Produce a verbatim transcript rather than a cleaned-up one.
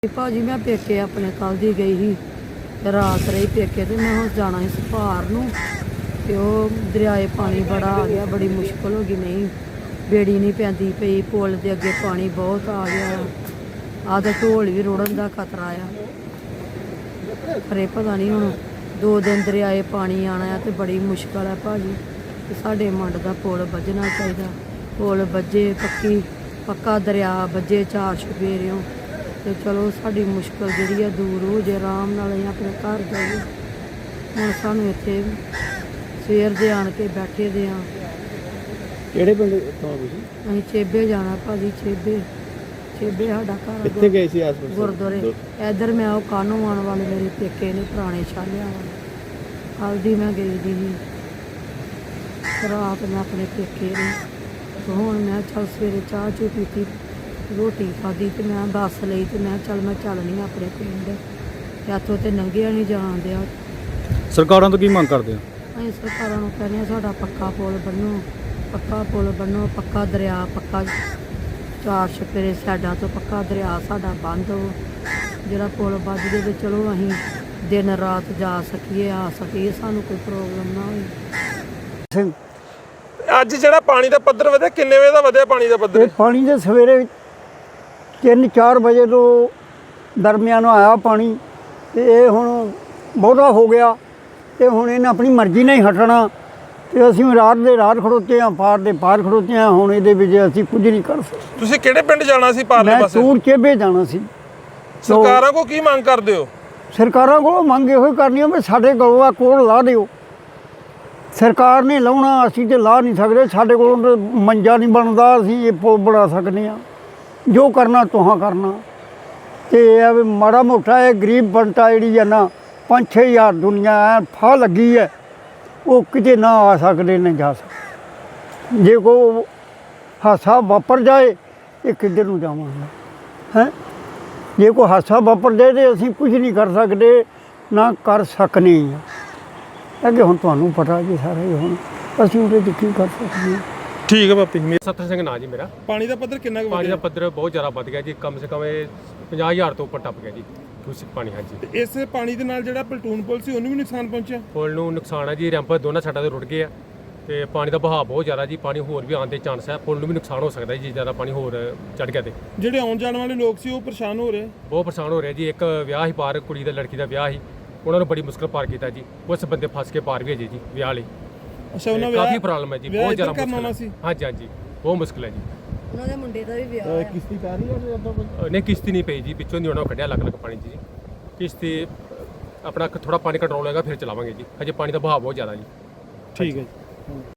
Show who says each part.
Speaker 1: भाजी मैं पेके अपने कल दी गई ही रात रही पेके तो मैं हम जाना इस भार नूं ते ओह दरियाए पानी बड़ा आ गया, बड़ी मुश्किल हो गई। नहीं बेड़ी नहीं पैंदी पई, पुल दे अगे पानी बहुत आ गया। आधा ढोल भी रुड़न का खतरा आ, पर पता नहीं हुण दो दिन दरियाए पानी आना है तो बड़ी मुश्किल है भाजी। साडे मंड का पुल बजना चाहिए, पुल बजे पक्की पक्का दरिया बजे चार छपेरियों तो चलो साड़ी मुश्किल जी दूर हो जाए, आराम नाल असीं अपने घर जाइए। हुण सानूं इत्थे सवेर दे आण के बैठे दे आ।
Speaker 2: किहड़े पिंड तो तुसीं?
Speaker 1: असीं चेबे जाना भाजी, चेबे चेबे साडा घर।
Speaker 2: कित्थे गए सी आस-पास?
Speaker 1: गुरुद्वारे इधर मैं वो कानों आने वाले मेरे पेके ने पुराने छालिया वाले, कल दी मैं गई दी ही रात मैं अपने पेके ने। तो हुण मैं चल सवेरे चाह चू पीती, रोटी खाधी तो मैं बस लई तो मैं चल मैं चलनी अपने पिंड, इत्थों तो लंघिया नहीं जान दिया।
Speaker 2: सरकारां तो की मंग करदे हो?
Speaker 1: ਅਸੀਂ ਸਰਕਾਰਾਂ ਨੂੰ ਕਹਿੰਦੇ ਹਾਂ ਸਾਡਾ ਪੱਕਾ ਪੁਲ ਬਣੋ, ਪੱਕਾ ਪੁਲ ਬਣੋ, ਪੱਕਾ ਦਰਿਆ, ਪੱਕਾ ਚਾਰ ਛਪੇਰੇ ਸਾਈਡਾਂ ਤੋਂ ਪੱਕਾ ਦਰਿਆ ਸਾਡਾ ਬੰਦ ਹੋ। ਜਿਹੜਾ ਪੁਲ ਵੱਜ ਜੇ ਤੇ ਚਲੋ ਅਸੀਂ ਦਿਨ ਰਾਤ ਜਾ ਸਕੀਏ, ਆ ਸਕੀਏ, ਸਾਨੂੰ ਕੋਈ ਪ੍ਰੋਬਲਮ ਨਾ ਹੋਵੇ।
Speaker 3: ਅੱਜ ਜਿਹੜਾ ਪਾਣੀ ਦਾ ਪੱਧਰ ਵਧਿਆ, ਕਿੰਨੇ ਵਜੇ ਦਾ ਵਧਿਆ ਪਾਣੀ ਦਾ ਪੱਧਰ?
Speaker 4: ਪਾਣੀ ਦੇ ਸਵੇਰੇ ਤਿੰਨ ਚਾਰ ਵਜੇ ਤੋਂ ਦਰਮਿਆਨ ਆਇਆ ਪਾਣੀ ਤੇ ਇਹ ਹੁਣ ਬਹੁਤਾ ਹੋ ਗਿਆ ਤੇ ਹੁਣ ਇਹਨੇ ਆਪਣੀ ਮਰਜ਼ੀ ਨਾਲ ਹੀ ਹਟਣਾ ਤੇ ਅਸੀਂ ਰਾਤ ਦੇ ਰਾਤ ਖੜੋਤੇ ਹਾਂ, ਪਾਰ ਦੇ ਪਾਰ ਖੜੋਤੇ ਹਾਂ। ਹੁਣ ਇਹਦੇ ਵਿੱਚ ਅਸੀਂ ਕੁਝ ਨਹੀਂ ਕਰ ਸਕਦੇ।
Speaker 3: ਤੁਸੀਂ ਕਿਹੜੇ ਪਿੰਡ ਜਾਣਾ ਸੀ ਪਾਰਲੇ
Speaker 4: ਮੈਂ
Speaker 3: ਪਾਸੇ?
Speaker 4: ਤੂਰ ਚੇਬੇ ਜਾਣਾ ਸੀ।
Speaker 3: ਸਰਕਾਰਾਂ ਕੋ ਕੀ ਮੰਗ ਕਰਦੇ ਹੋ?
Speaker 4: ਸਰਕਾਰਾਂ ਕੋਲੋਂ ਮੰਗ ਇਹੋ ਹੀ ਕਰਨੀ ਆ ਵੀ ਸਾਡੇ ਕੋਲੋਂ ਆ ਕੋਲ ਲਾ ਦਿਓ। ਸਰਕਾਰ ਨੇ ਲਾਉਣਾ, ਅਸੀਂ ਤੇ ਲਾ ਨਹੀਂ ਸਕਦੇ। ਸਾਡੇ ਕੋਲੋਂ ਤਾਂ ਮੰਜਾ ਨਹੀਂ ਬਣਦਾ, ਅਸੀਂ ਇਹ ਪੁਲ ਬਣਾ ਸਕਦੇ ਹਾਂ। ਜੋ ਕਰਨਾ ਤੁਹਾਂ ਕਰਨਾ ਤੇ ਇਹ ਵੀ ਮਾੜਾ ਮੋਟਾ ਇਹ ਗਰੀਬ ਬੰਟਾ ਜਿਹੜੀ ਆ ਨਾ ਪੰਜ ਛੇ ਹਜ਼ਾਰ ਦੁਨੀਆ ਐ ਫਾਹ ਲੱਗੀ ਹੈ, ਉਹ ਕਿਤੇ ਨਾ ਆ ਸਕਦੇ ਨਾ ਜਾ ਸਕਦੇ। ਜੇ ਕੋਈ ਹਾਦਸਾ ਵਾਪਰ ਜਾਏ ਇਹ ਕਿੱਧਰ ਨੂੰ ਜਾਵਾਂਗੇ ਹੈਂ? ਜੇ ਕੋਈ ਹਾਦਸਾ ਵਾਪਰ ਜਾਏ ਤਾਂ ਅਸੀਂ ਕੁਝ ਨਹੀਂ ਕਰ ਸਕਦੇ, ਨਾ ਕਰ ਸਕਨੇ ਹਾਂ। ਅੱਗੇ ਹੁਣ ਤੁਹਾਨੂੰ ਪਤਾ ਜੀ ਸਾਰਾ ਹੀ, ਹੁਣ ਅਸੀਂ ਉਹਦੇ 'ਚ ਕੀ ਕਰ ਸਕਦੇ ਹਾਂ।
Speaker 3: ਠੀਕ ਹੈ ਬਾਪੀ।
Speaker 5: ਸੱਤਰ ਸਿੰਘ ਨਾਂ ਜੀ ਮੇਰਾ।
Speaker 3: ਪਾਣੀ ਦਾ ਪੱਧਰ ਕਿੰਨਾ ਕੁ
Speaker 5: ਪਾਣੀ ਦਾ
Speaker 3: ਵਧਿਆ?
Speaker 5: ਪੱਧਰ ਬਹੁਤ ਜ਼ਿਆਦਾ ਵੱਧ ਗਿਆ ਜੀ, ਕਮ ਸੇ ਕਮ ਇਹ ਪੰਜਾਹ ਹਜ਼ਾਰ ਤੋਂ ਉੱਪਰ ਟੱਪ ਗਿਆ ਜੀ ਦੂਸ਼ਿਤ ਪਾਣੀ। ਹਾਂਜੀ,
Speaker 3: ਇਸ ਪਾਣੀ ਦੇ ਨਾਲ ਜਿਹੜਾ ਪਲਟੂਨ ਪੁਲ ਸੀ ਉਹਨੂੰ ਵੀ ਨੁਕਸਾਨ ਪਹੁੰਚਿਆ?
Speaker 5: ਪੁਲ ਨੂੰ ਨੁਕਸਾਨ ਹੈ ਜੀ, ਰੈਂਪ ਦੋਨਾਂ ਸਾਈਡਾਂ ਤੇ ਰੁੜ ਗਏ ਆ ਤੇ ਪਾਣੀ ਦਾ ਵਹਾਅ ਬਹੁਤ ਜ਼ਿਆਦਾ ਜੀ, ਪਾਣੀ ਹੋਰ ਵੀ ਆਉਣ ਦੇ ਚਾਂਸ ਹੈ। ਪੁਲ ਨੂੰ ਵੀ ਨੁਕਸਾਨ ਹੋ ਸਕਦਾ ਜੀ, ਜ਼ਿਆਦਾ ਪਾਣੀ ਹੋਰ ਚੜ ਗਿਆ ਤੇ।
Speaker 3: ਜਿਹੜੇ ਆਉਣ ਜਾਣ ਵਾਲੇ ਲੋਕ ਸੀ ਉਹ ਪਰੇਸ਼ਾਨ ਹੋ ਰਹੇ?
Speaker 5: ਬਹੁਤ ਪਰੇਸ਼ਾਨ ਹੋ ਰਿਹਾ ਜੀ। ਇੱਕ ਵਿਆਹ ਹੀ ਪਾਰ, ਕੁੜੀ ਦਾ ਲੜਕੀ ਦਾ ਵਿਆਹ ਸੀ, ਉਹਨਾਂ ਨੂੰ ਬੜੀ ਮੁਸ਼ਕਲ ਪਾਰ ਕੀਤਾ ਜੀ। ਉਸ ਬੰਦੇ ਫਸ ਕੇ ਪਾਰ ਵੀ ਹੈ ਜੀ ਵਿਆਹ ਵਾਲੇ।
Speaker 3: ਅੱਛਾ, ਉਹਨਾਂ
Speaker 5: ਕਾਫੀ ਪ੍ਰੋਬਲਮ ਹੈ ਜੀ, ਬਹੁਤ ਜ਼ਿਆਦਾ
Speaker 3: ਮੁਸ਼ਕਲ
Speaker 5: ਮੁਸ਼ਕਲ ਹੈ। ਹਾਂਜੀ ਹਾਂਜੀ, ਬਹੁਤ ਮੁਸ਼ਕਲ ਹੈ ਜੀ।
Speaker 1: ਉਹਨਾਂ ਦੇ ਮੁੰਡੇ ਦਾ ਵੀ ਵਿਆਹ ਹੈ।
Speaker 2: ਕਿਸ਼ਤੀ ਪੈ ਰਹੀ ਹੈ ਉਦੋਂ ਕੋਈ?
Speaker 5: ਨਹੀਂ ਕਿਸ਼ਤੀ ਨਹੀਂ ਪਈ ਜੀ, ਪਿੱਛੋਂ ਦੀ ਉਹਨਾਂ ਕੱਢਿਆ ਅਲੱਗ ਅਲੱਗ ਪਾਣੀ 'ਚ ਜੀ। ਕਿਸ਼ਤੀ ਆਪਣਾ ਥੋੜਾ ਪਾਣੀ ਕੰਟਰੋਲ ਹੋਏਗਾ ਫਿਰ ਚਲਾਵਾਂਗੇ ਜੀ, ਹਜੇ ਪਾਣੀ ਦਾ ਵਹਾਅ ਬਹੁਤ ਜ਼ਿਆਦਾ ਜੀ।
Speaker 3: ਠੀਕ ਹੈ ਜੀ।